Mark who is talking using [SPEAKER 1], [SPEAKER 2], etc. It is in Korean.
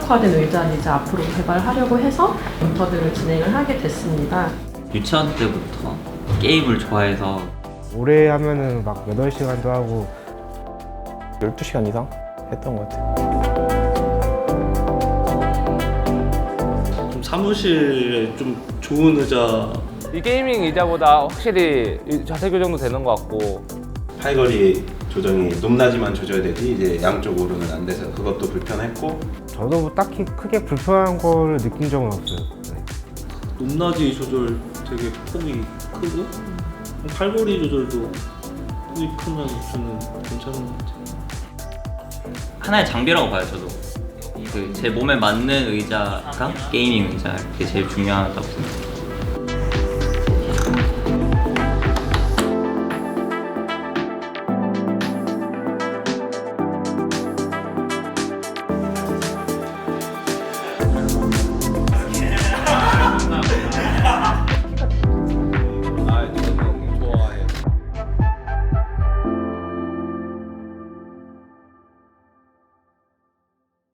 [SPEAKER 1] 최적화된 의자를 이제 앞으로 개발하려고 해서 인터뷰를 진행을 하게 됐습니다.
[SPEAKER 2] 유치원 때부터 게임을 좋아해서
[SPEAKER 3] 오래 하면은 막 8시간도 하고
[SPEAKER 4] 12시간 이상 했던 것 같아요.
[SPEAKER 5] 좀 사무실에 좀 좋은 의자,
[SPEAKER 6] 이 게이밍 의자보다 확실히 자세 교정도 되는 것 같고
[SPEAKER 7] 팔걸이 조정이 높낮이만 조져야 되지 이제 양쪽으로는 안 돼서 그것도 불편했고
[SPEAKER 3] 저도 뭐 딱히 크게 불편한 거를 느낀 적은 없어요. 네.
[SPEAKER 5] 높낮이 조절 되게 폭이 크고 팔걸이 조절도 폭이 크면 저는 괜찮은 것 같아요.
[SPEAKER 2] 하나의 장비라고 봐요. 저도 제 몸에 맞는 의자가 게이밍 의자, 그게 제일 중요하다고 생각해요.